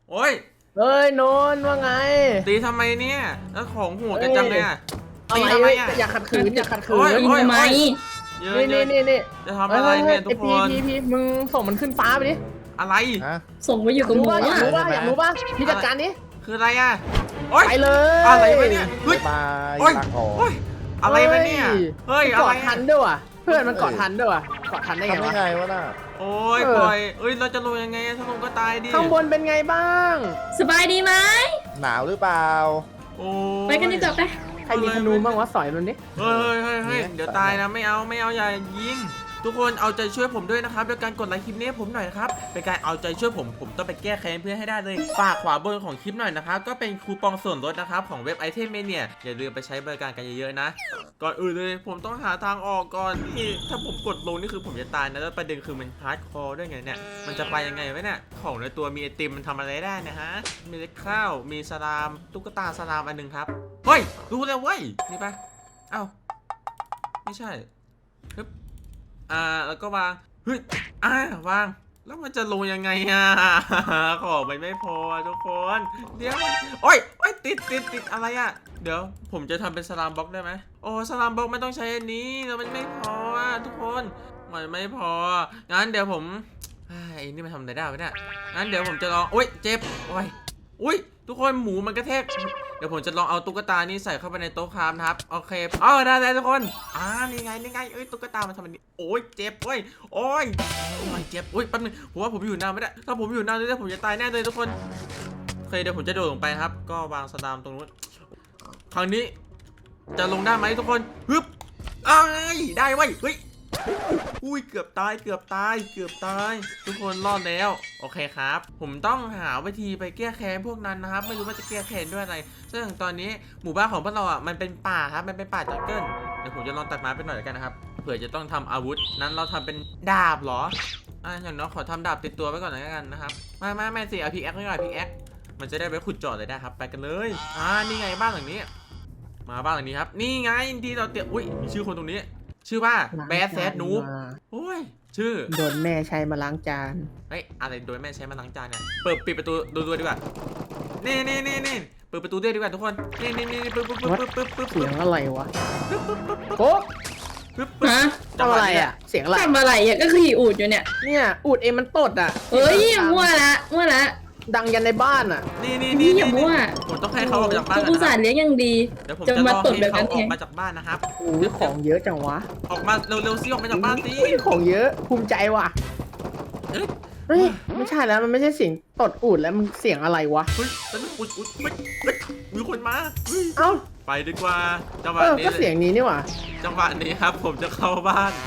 โอ้ยเฮ้ยโนนว่าไงตีทำไมเนี่ยแล้วของหัวกันจังเลยอ่ะอะตีไรทำไมเว้ยอ่ะอย่าขัดขืนอย่าขัดขืโอ้นยยิงทำไมเยอะนี่เยนี่อะนี่นี่จะทำอะไรเนี่ยทุกคนพีมึงส่งมันขึ้นฟ้าไปดิอะไรฮะส่งไปอยู่กับหมูอยากอ่ะรู้ป่ะอยากรู้ป่ะพี่จัดการนี้คืออะไรอ่ะโอ้ยไปเลยอะไรวะเนี่ยเฮ้ยบายโอ้ยลาก่อนโอ้ยอะไรวะเนี่ยเฮ้ยมันอะไรเกาะทันด้วยว่ะเพื่อนมันเกาะทันด้วยว่ะเกาะทันได้ไงทำได้วะไงวะน่ะโอ้ยปล่อยเอ้ยเราจะลงยังไงถ้าลงก็ตายดิข้างบนเป็นไงบ้างสบายดีไหมหนาวหรือเปล่าโอ้ยไปกันดีกว่าไปใครมีธนูบ้างวะสอยมันดิเฮ้ยเดี๋ยวตายนะไม่เอาอย่ายิงทุกคนเอาใจช่วยผมด้วยนะครับด้วยการกดไลค์คลิปนี้ให้ผมหน่อยนะครับเป็นการเอาใจช่วยผมต้องไปแก้แค้นเพื่อนให้ได้เลยฝากขวาบนของคลิปหน่อยนะครับก็เป็นคูปองส่วนลดนะครับของเว็บไอเทมเมเนียอย่าลืมไปใช้บริการกันเยอะๆนะก่อนอื่นเลยผมต้องหาทางออกก่อนนี่ถ้าผมกดลงนี่คือผมจะตายนะแล้วประเด็นคือมันฮาร์ดคอร์ด้วยไงเนี่ยมันจะไปยังไงวะเนี่ยของในตัวมีไอติมมันทำอะไรได้นะฮะมีเล็กข้าวมีสลามตุ๊กตาสลามอันนึงครับเฮ้ยรู้แล้วเว้ยนี่ปะเอ้าไม่ใช่ปึ๊บแล้วก็วางเฮ้ยวางแล้วมันจะลงยังไงของมันไม่พอทุกคนเดี๋ยวโอ้ยติดอะไรเดี๋ยวผมจะทำเป็นสลามบล็อกได้ไหมโอ้สลามบล็อกไม่ต้องใช้อันนี้แล้วมันไม่พอทุกคนมันไม่พองั้นเดี๋ยวผมไอ้นี่มันทำอะไรได้ไหมเนี่ยงั้นเดี๋ยวผมจะลองโอ้ยเจ็บอุ้ยทุกคนหมูมันกระแทกเดี๋ยวผมจะลองเอาตุ๊กตานี่ใส่เข้าไปในโต๊ะครามนะครับโอเคได้ทุกคนนี่ไงเอ้ยตุ๊กตามันทำแบบนี้โอ้ยเจ็บโอ้ยมันเจ็บอุ้ยแป๊บนึงผมว่าผมอยู่นานไม่ได้ถ้าผมอยู่นานเลยผมจะตายแน่เลยทุกคนโอเคเดี๋ยวผมจะโดดลงไปครับก็วางสลามตรงนู้นครั้งนี้จะลงได้ไหมทุกคนฮึบได้เว้ยเฮ้ยอุ้ยเกือบตายทุกคนรอดแล้วโอเคครับผมต้องหาวิธีไปแก้แค้นพวกนั้นนะครับไม่รู้ว่าจะแก้แค้นด้วยอะไรซึ่งตอนนี้หมู่บ้านของพวกเรามันเป็นป่าครับมันเป็นป่าจังเกิลเดี๋ยวผมจะลองตัดไม้ไปหน่อยกันนะครับเผื่อจะต้องทำอาวุธนั้นเราทำเป็นดาบเหรออย่างน้อยขอทำดาบติดตัวไว้ก่อนแล้วกันนะครับไม่สิเอาพิกแอคไว้ก่อนพิกแอคมันจะได้ไปขุดเจาะเลยได้ครับไปกันเลยนี่ไงบ้านหลังนี้มาบ้านหลังนี้ครับนี่ไงที่เราเตรียมอุ้ยมีชื่อคนตรงนี้ชื่อว่าแบดแซดนูบโอ้ยชื่อโดนแม่ใช้มาล้างจานเฮ้ยอะไรโดยแม่ใช้มาล้างจานเนี่ยปิดประตูดูดีกว่านี่เปิดประตูด้วยดีกว่าทุกคนนี่ปึ๊บเสียงอะไรวะโอ้ฮะทำอะไรอ่ะเสียงอะไรทำอะไรอ่ะก็ขี่อูดอยู่เนี่ยเนี่ยอูดเองมันตดอ่ะเฮ้ยมั่วละดังยันในบ้านอ่ะนี่อย่ามั่วผมต้องให้เขาออกมาจากบ้านอุตส่าห์เลี้ยงอย่างดีเดี๋ยวผมจะจะรมาอตดให้แบบเขานั้นอเออกงมาจากบ้านนะครับโอ้ยของเยอะจังวะออกมาเร็วๆซิออกมาจากบ้านสิของเยอะภูมิใจว่ะเอ้ยเฮ้ยไม่ใช่แล้วมันไม่ใช่เสียงตดอูดแล้วมันเสียงอะไรวะเฮ้ยแล้วอุ๊ยมีคนมาเอ้าไปดีกว่าจังหวะนี้ก็เสียงนี้นี่หว่าจังหวะนี้ครับผมจะเข้าบ้าน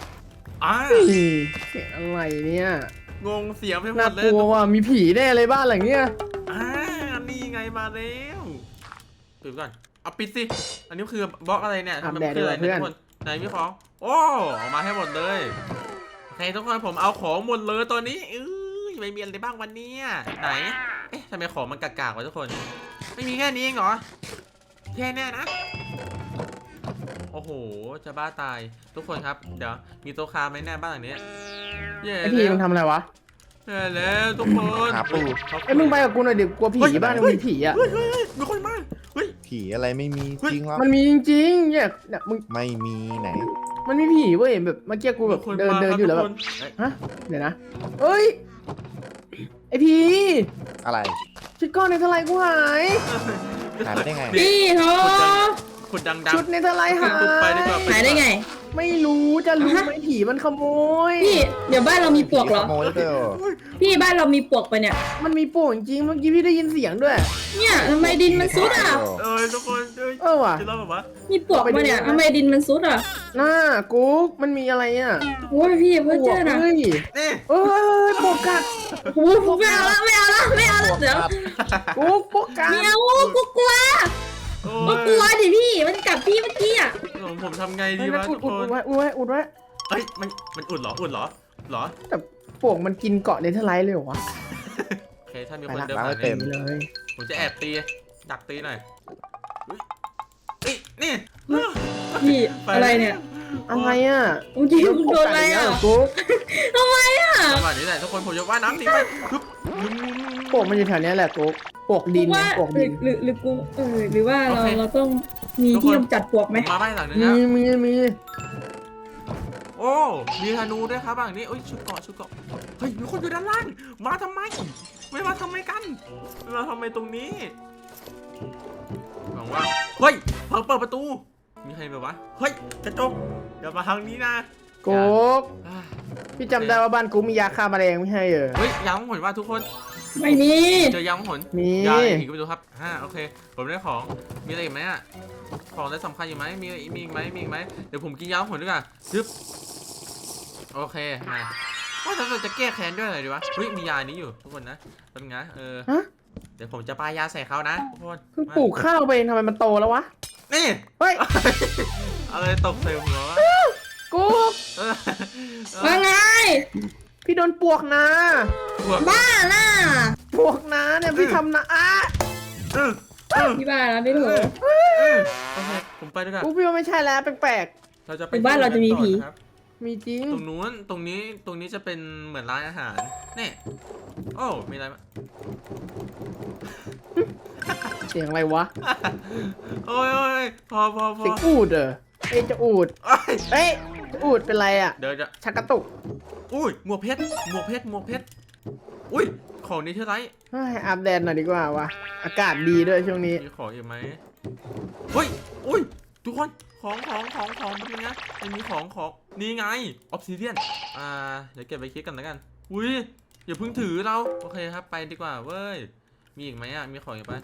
เสียงอะไรเนี่ยงงเสียงไปหมน่าดเลกยลัวว่ะมีผีแน่เลยบ้านหลังเนี้ยนี่ไงมาแล้วปิดก่อนเอาปิดสิอันนี้คือบล็อกอะไรเนี่ยทำไมมันคืออะไรเนี่ยทุกคนไหนมีของโอ้ออกมาให้หมดเลยโอเคทุกคนผมเอาของหมดเลยตอนนี้ไม่มีอะไรบ้างวันนี้ไหนเอ๊ะทำไมของมันกากๆวะทุกคนไม่มีแค่นี้เองเหรอแค่นี้นะโอ้โหจะบ้าตายทุกคนครับเดี๋ยวมีโต๊ะคาไหมแน่บ้านหลังนี้ไอพี่มึงทำอะไรวะแล้วทุกคนหาปูไอ้มึงไปกับกูหน่อยดิกลัวผีบ้านมึงมีผีอ่ะเฮ้ยมีคนมาเฮ้ยผีอะไรไม่มีจริงหรอมันมีจริงๆเนี่ยมึงไม่มีไหนมันมีผีเว้ยแบบเมื่อกี้กูแบบเดินอยู่แล้วแบบฮะเดี๋ยวนะเอ้ยไอพี่อะไรชุดก้อนในทลายกูหายหายไปได้ไงพี่โทขุดดังชุดในทลายหายไปดีกว่าหายได้ไงไม่รู้จะรู้ไหมผีมันขโมยพี่เดี๋ยวบ้านเรามีปลวกเหรอขโมยเด้อพี่บ้านเรามีปลวกปะเนี่ยมันมีโป่งจริงเมื่อกี้พี่ได้ยินเสียงด้วยเนี่ยทำไมดินมันซุดอ่ะทุกคนว่ะจะเล่าแบบว่ามีปลวกปะเนี่ยทำไมดินมันซุดอ่ะหน้ากุ๊กมันมีอะไรอ่ะโอ้ยพี่เพื่อเจอนะเฮ้ยนี่เอ้ยโปกัดโอ้โหไม่เอาละเดี๋ยวกุ๊กโปกัดไม่เอากูกลัวดิพี่มันกัดพี่เมื่อกี้อ่ะผมทำไงดีเฮ้ยวะอุทุดกคนไว้อุดไว้เฮ้ยมันอุ่นเหรอเหรอแต่โป่งมันกินเกาะเนเธอร์ไลท์เลยเหรอวะโอเคถ้ามีคนเดินล้างผ่าให้นเต็มเลยผมจะแอบตีดักตีหน่อยนี่พี่อะไรเนี่ยอะไรอ่ะเมื่อกี้มึงโดนอะไรอ่ะกุ๊กทำไมอ่ะจังหวะนี้แหละทุกคนผมจะว่ายน้ำหนีไปปวกมันอยู่แถวเนี้ยแหละกุ๊กปวกดินว่าปวกดินหรือกูหรือว่าเราต้องมีที่กำจัดปลวกไหมผมมาบ้านหลังนึงมีแล้วมีโอ้มีธนูด้วยครับหลังนี้โอ้ยชุดเกาะเฮ้ยมีคนอยู่ด้านล่างมาทำไมไม่มาทำไมกันมาทำไมตรงนี้หวังว่าเฮ้ยเปิดประตูมีใครแบบวะเฮ้ยกระจกอย่ามาทางนี้นะกุ๊กอ่าพี่จำได้ว่าบ้านกุ๊กมียาฆ่าแมลงไม่ใช่เหรอเฮ้ยยางของผลว่าทุกคนไม่มีเจอยางของผลมียางอีกไปดูครับโอเคผมได้ของมีอะไรอีกไหมอะของอะไรสำคัญอยู่ไหมมีอีกไหมเดี๋ยวผมกินยางของผลดีกว่าซึบโอเคมาว่าเราจะแก้แค้นด้วยอะไรดีวะเฮ้ยมียานี้อยู่ทุกคนนะเป็นไงฮะเดี๋ยวผมจะปายาใส่เขานะทุกคนเพิ่งปลูกข้าวไปเองทำไมมันโตแล้ววะนี่เฮ้ยอะไรตกใส่หัววะกุ๊กเออว่าไงพี่โดนปวกนะพวกบ้าน่ะปวกนะเนี่ยพี่ทำนะอ่ะพี่บ้านะไม่ถูกโอเคผมไปดีกว่ากุ๊กพี่ว่าไม่ใช่แล้วแปลกเราจะไปหรือบ้านเราจะมีผีต่อนะครับๆมีจริงตรงนู้นตรงนี้จะเป็นเหมือนร้านอาหารนี่โอ้มีอะไรมาเสียงอะไรวะโอ้ยพอเสียงอูดเหรอเอ้ยจะอูดเอ้ยเอ้ยจะอูดเป็นไรอ่ะเดี๋ยวจะชักกระตุกอุ้ยหมวกเพชรอุ้ยของนี้เท่าไรเฮ้ยอาบแดดหน่อยดีกว่าวะอากาศดีด้วยช่วงนี้มีของอีกไหมเฮ้ยอุ้ยทุกคนของเป็นไงมันมีของนี่ไงออฟซิเดียนเดี๋ยวเก็บไปคิดกันแล้วกันอุ้ยอย่าเพิ่งถือเราโอเคครับไปดีกว่าเว้ยมีอีกไหมอ่ะมีของอีกปะ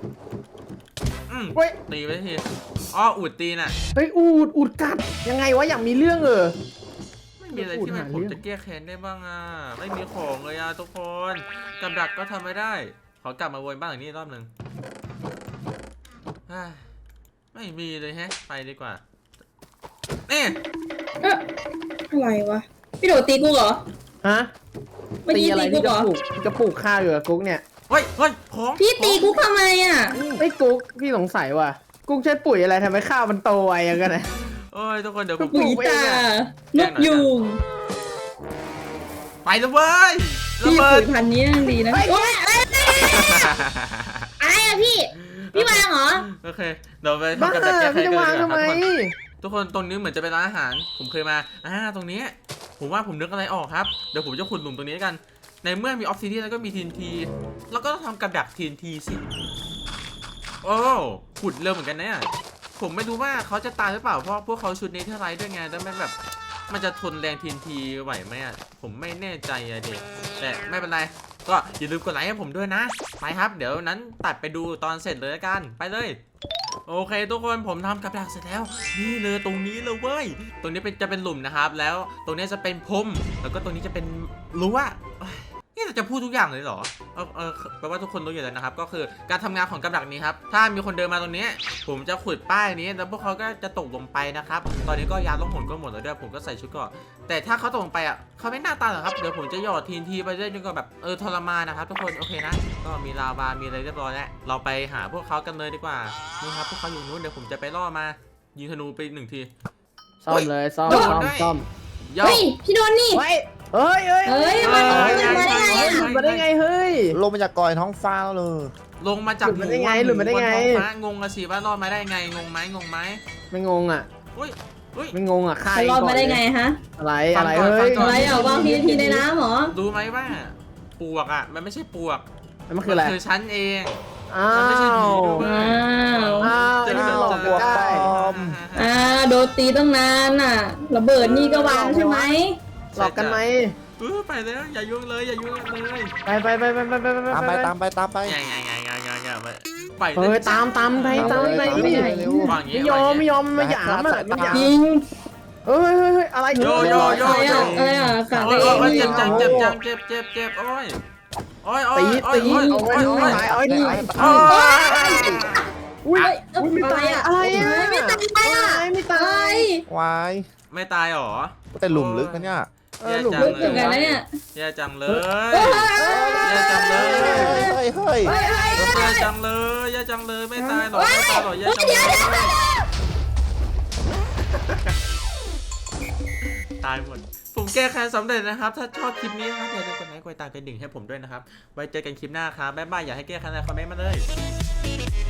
เฮ้ยตีไปทีอ้ออุดตีน่ะเฮ้ยอูดกัดยังไงวะอยากมีเรื่องไม่มีอะไรที่มันผมจะแก้แค้นได้บ้างอ่ะไม่มีของเลยอ่ะทุกคนกับดักก็ทำไม่ได้ขอกลับมาวนบ้านหลังนี้รอบหนึ่งไม่มีเลยแฮะไปดีกว่านี่อะไรวะพี่โดดตีกูเหรอฮะเมื่อตีกี้อะไรตีกูพี่เหรจะอปลูกข้าวอยู่กับกุ๊กเนี่ยเฮ้ยของพี่ตีกูทำไมอ่ะไอ้ยกุ๊กพี่สงสัยว่ะกุ๊กใช้ปุ๋ยอะไรทำให้ข้าวมันโตไวอย่างกันนะโอ้ยทุกคนเดี๋ยวผมปุ๋ยตานกยูงไปเลยเว้ยระพี่เบิปุ๋ดยพันธุ์นี้ยังดีนะโอ๊ยอะไรอะพี่วางเหรอโอเคเดี๋ยวไปบ้าทำกับดักแก้แค้พี่นจะกันวางดีกทำไมว่าครับทุกคนตรงนี้เหมือนจะเป็นร้านอาหารผมเคยมาตรงนี้ผมว่าผมนึกอะไรออกครับเดี๋ยวผมจะขุดหลุมตรงนี้กันในเมื่อมีออฟซิเดียนแล้วก็มี TNT แล้วก็ต้องทำกับดัก TNT สิโอ้ขุดเร็วเหมือนกันนะผมไม่รู้ว่าเขาจะตายหรือเปล่าเพราะพวกเขาชุดนี้เท่าไรด้วยไงแต่ไม่แบบมันจะทนแรง TNT ไหวไหมอ่ะผมไม่แน่ใจอะเด็กแต่ไม่เป็นไรก็อย่าลืมกดไลค์ให้ผมด้วยนะไปครับเดี๋ยวนั้นตัดไปดูตอนเสร็จเลยละกันไปเลยโอเคทุกคนผมทำกับดักเสร็จแล้วนี่เลยตรงนี้เลยเว้ยตรงนี้จะเป็นหลุมนะครับแล้วตรงนี้จะเป็นพรมแล้วก็ตรงนี้จะเป็นรั้วนี่เราจะพูดทุกอย่างเลยเหรอแปลว่าทุกคนรู้อยู่แล้วนะครับก็คือการทำงานของกับดักนี้ครับถ้ามีคนเดินมาตรงนี้ผมจะขุดป้ายนี้แล้วพวกเขาก็จะตกลงไปนะครับตอนนี้ก็ยาล่องหนก็หมดแล้วด้วยผมก็ใส่ชุดเกราะแต่ถ้าเขาตกลงไปอ่ะเขาไม่น่าตายหรอกครับเดี๋ยวผมจะหยอดTNTไปเรื่อยจนกว่าแบบทรมานนะครับทุกคนโอเคนะก็มีลาวามีอะไรเรียบร้อยแล้วเราไปหาพวกเขากันเลยดีกว่านี่ครับพวกเขาอยู่นู้นเดี๋ยวผมจะไปล่อมายิงธนูไป1 ทีซ่อมเลยซ่อมโดนซ่อมด้วยซ่อมย่อเฮ้ยพี่โดนนี่เฮ้ยมันเฮ้ยมาได้ไงอะหลุดมาได้ไงเฮ้ยลงมาจากกอยท้องฟ้าแล้วเลยลงมาจากหลุดมาได้ไงหหลุดมาได้ไงบนท้อฟ้างงอะสิว่ารอดมาได้ไงงงไหมไม่งงอ่ะอุ้ยไม่งงอ่ะฆ่าจะรอดมาได้ไงฮะอะไรฟังอะไรก่อนเฮ้ยฟังก่อนอะไรอ่ะวางทีในน้ำเหรอรู้ไหมว่าปลวกอ่ะมันไม่ใช่ปลวกแล้วมันคืออะไรคือฉันเองอ้ามันไม่ใช่ผีวด้วยอ้าวอ้าวไอ้นี่มันหลอกกันได้โดนตีตั้งนานน่ะระเบิดนี่ก็วางใช่ไหมหลอกกันไหมไปแล้วอย่ายุ่งเลยอย่ายุ่งเลยไปตามไปอย่าไปเฮ้ยตามไปนี่เร็ววางอย่างงี้ไม่ยอมมาหยามอ่ะมาหยามจริงเฮ้ยอะไรโยอะไรอ่ะกะโอ้ได้ยเองเจ็บเหรอเจ็บโอ้ยโอ้ยตีเอาไว้ตายเอาไว้นี่อุ้ยไม่ตายอะไรอ่ะไม่ตายอ่ะไม่ตายวายไม่ตายหรอแต่หลุมลึกนะเนี่ยหลุมลึกถึงกันแล้วเนี่ยแย่จังเลยแย่จังเลยเฮ้ยแย่จังเลยไม่ตายหรอแย่จังเลยตตายหมดผมแก้แค้นสำเร็จนะครับถ้าชอบคลิปนี้นะครับอย่าลืมกดไลค์กดติดตามกระดิ่งให้ผมด้วยนะครับไว้เจอกันคลิปหน้าครับบ๊ายบายอยากให้แก้แค้นอะไรคอมเมนต์มาเลย